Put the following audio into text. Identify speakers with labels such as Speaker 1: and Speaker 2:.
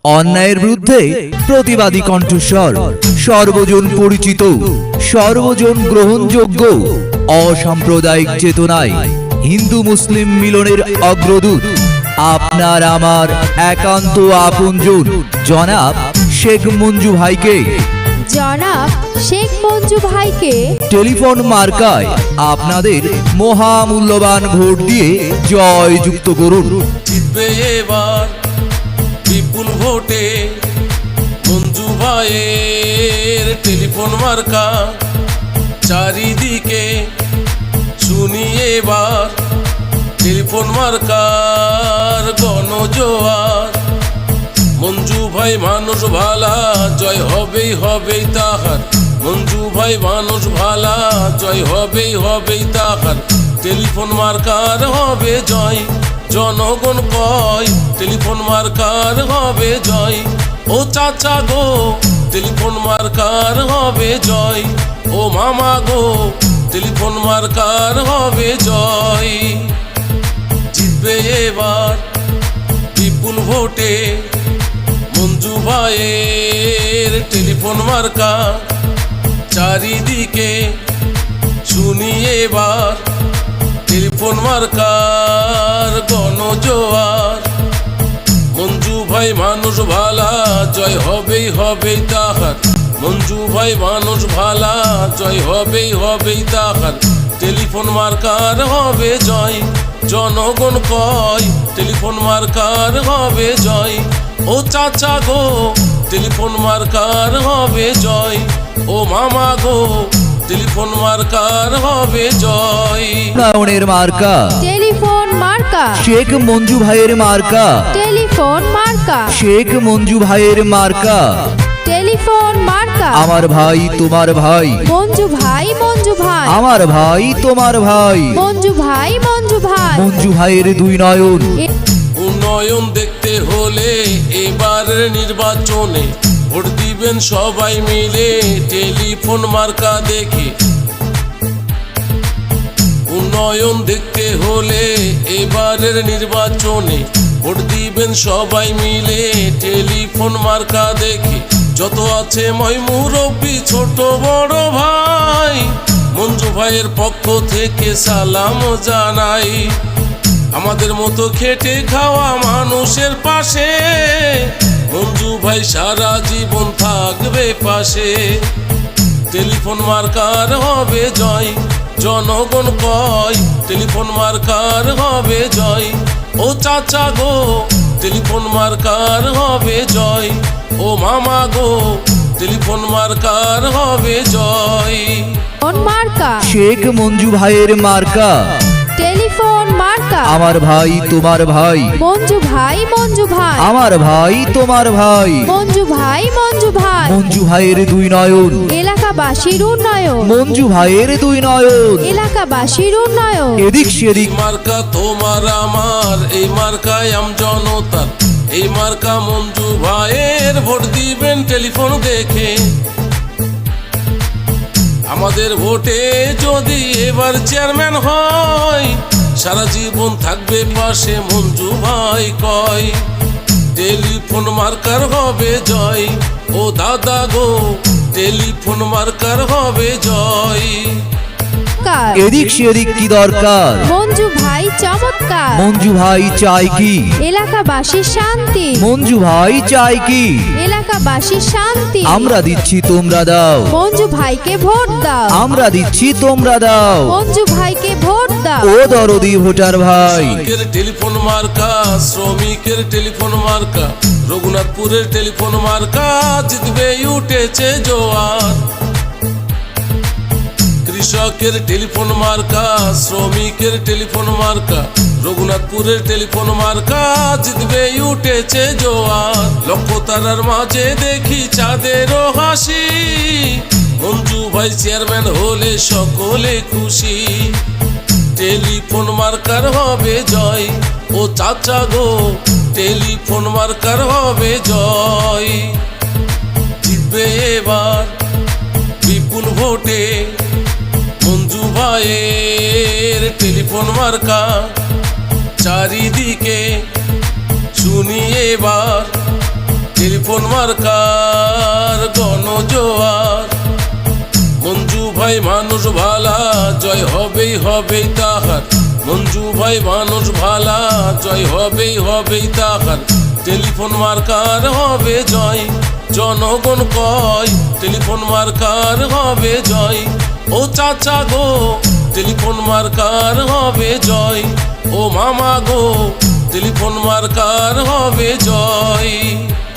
Speaker 1: অন্যায়ের বিরুদ্ধে প্রতিবাদী কণ্ঠস্বর, সর্বজন পরিচিত, সর্বজন গ্রহণযোগ্য, অসাম্প্রদায়িক চেতনায় হিন্দু মুসলিম মিলনের অগ্রদূত, আপনার আমার একান্ত আপনজন জনাব শেখ মঞ্জু ভাইকে,
Speaker 2: জনাব শেখ মঞ্জু ভাইকে
Speaker 1: টেলিফোন মার্কায় আপনাদের মহামূল্যবান ভোট দিয়ে জয়যুক্ত করুন।
Speaker 3: জিতবে এবার বিপুল ভোটে মঞ্জু ভাইয়ের টেলিফোন মার্কা, চারিদিকে শুনি এবার টেলিফোন মার্কার গণজোয়ার। মঞ্জু ভাই মানুষ ভালা, জয় হবেই হবেই তাহার। মঞ্জু ভাই মানুষ ভালা, জয় হবেই হবেই তাহার। টেলিফোন মার্কার হবে জয়, জনগণ কয় টেলিফোন মার্কার হবে জয়। ও চাচা গো টেলিফোন মার্কার হবে জয়, ও মামা গো টেলিফোন মার্কার হবে জয়। জিতবে এবার বিপুল ভোটে মঞ্জু ভাইয়ের টেলিফোন মার্কা, চারিদিকে শুনি এবার টেলিফোন মার্কার গণজোয়ার। মঞ্জু ভাই মানুষ ভালা, জয় হবেই হবেই তাহার। মঞ্জু ভাই মানুষ ভালা, জয় হবেই হবেই তাহার। টেলিফোন মার্কার হবে জয়, জনগণ কয় টেলিফোন মার্কার হবে জয়। ও চাচা গো টেলিফোন মার্কার হবে জয়, ও মামা গো টেলিফোন মার্কার হবে জয়।
Speaker 1: উন্নয়নের মার্কা
Speaker 2: টেলিফোন মার্কা,
Speaker 1: শেখ মঞ্জু ভাইয়ের মার্কা,
Speaker 2: টেলিফোন মার্কা,
Speaker 1: শেখ মঞ্জু ভাইয়ের মার্কা।
Speaker 2: টেলিফোন মার্কা।
Speaker 1: আমার ভাই তোমার ভাই,
Speaker 2: মঞ্জু ভাই মঞ্জু ভাই,
Speaker 1: আমার ভাই তোমার ভাই।
Speaker 2: মঞ্জু ভাই মঞ্জু ভাই।
Speaker 1: মঞ্জু ভাইয়ের দুই নয়ন,
Speaker 3: উন্নয়ন দেখতে হলে এবারের নির্বাচনে ভোট দিবেন সবাই মিলে টেলিফোন মার্কা দেখে। উন্নয়ন দেখতে হলে এবারের নির্বাচনে ভোট দিবেন সবাই মিলে টেলিফোন মার্কা দেখে। যত আছে মই মুরব্বি ছোট বড় ভাই, মঞ্জু ভাইয়ের পক্ষ থেকে সালাম জানাই। আমাদের মতো খেটে খাওয়া মানুষের পাশে মঞ্জু ভাই সারা জীবন থাকবে পাশে। টেলিফোন মার্কার হবে জয়, জনগণ কয় টেলিফোন মার্কার হবে জয়। ও চাচা গো টেলিফোন মার্কার হবে জয়, ও মামা গো টেলিফোন মার্কার হবে জয়।
Speaker 2: মার্কা,
Speaker 1: শেখ মঞ্জু ভাইয়ের মার্কা।
Speaker 2: টেলিফোন মার্কা।
Speaker 1: আমার ভাই তোমার ভাই,
Speaker 2: মঞ্জু ভাই মঞ্জু ভাই,
Speaker 1: আমার ভাই তোমার ভাই।
Speaker 2: মঞ্জু ভাই মঞ্জু ভাই।
Speaker 1: মঞ্জু ভাইয়ের দুই নয়ন,
Speaker 2: এলাকাবাসীর উন্নয়ন,
Speaker 1: মঞ্জু ভাইয়ের দুই নয়ন।
Speaker 2: এলাকাবাসীর উন্নয়ন।
Speaker 1: এদিক সেদিক
Speaker 3: মার্কা তোমার আমার, এই মার্কায় আম জনতার। এই মার্কা মঞ্জু ভাইয়ের, ভোট দিবেন টেলিফোন দেখে। আমাদের ভোটে যদি এবার চেয়ারম্যান হয়, সারা জীবন থাকবে পাশে মঞ্জু ভাই কয়। টেলিফোন মার্কার হবে জয়, ও দাদা গো টেলিফোন মার্কার হবে জয়।
Speaker 1: এদিক সেদিক কি দরকার,
Speaker 2: মঞ্জু ভাই চমৎকার।
Speaker 1: মঞ্জু ভাই চাই কি,
Speaker 2: এলাকাবাসীর শান্তি।
Speaker 1: মঞ্জু ভাই চাই কি,
Speaker 2: এলাকাবাসীর শান্তি।
Speaker 1: আমরা দিচ্ছি তোমরা দাও,
Speaker 2: মঞ্জু ভাইকে ভোট দাও।
Speaker 1: আমরা দিচ্ছি তোমরা দাও।
Speaker 2: মঞ্জু ভাইকে ভোট দাও।
Speaker 1: ও দরদি ভোটার ভাই,
Speaker 3: শ্রমিকের টেলিফোন মার্কা, শ্রমিকের টেলিফোন মার্কা, রঘুনাথপুরের টেলিফোন মার্কা, জিতবে উঠেছে জোয়ার। কৃষকের টেলিফোন মার্কা, শ্রমিকের টেলিফোন মার্কা, রঘুনাথপুরের টেলিফোন মার্কা, জিতবে উঠেছে জোয়ার। লক্ষ্য তারার মাঝে দেখি চাঁদেরও হাসি, মঞ্জু ভাই চেয়ারম্যান হলে সকলে খুশি। টেলিফোন মার্কার হবে জয়, ও চাচা গো টেলিফোন মার্কার হবে জয়। জিতবে এবার বিপুল ভোটে মঞ্জু ভাইয়ের টেলিফোন মার্কা, চারিদিকে শুনি এবার মার্কার গণজোয়ার। মঞ্জু ভাই মানুষ ভালা, জয় হবেই হবেই তাহার। মঞ্জু ভাই মানুষ ভালা, জয় হবেই হবেই তাহার। টেলিফোন মার্কার হবে জয়, জনগণ কয় টেলিফোন মার্কার হবে জয়। ও চাচা গো টেলিফোন মার্কার হবে জয়, ও মামা গো টেলিফোন মার্কার হবে জয়।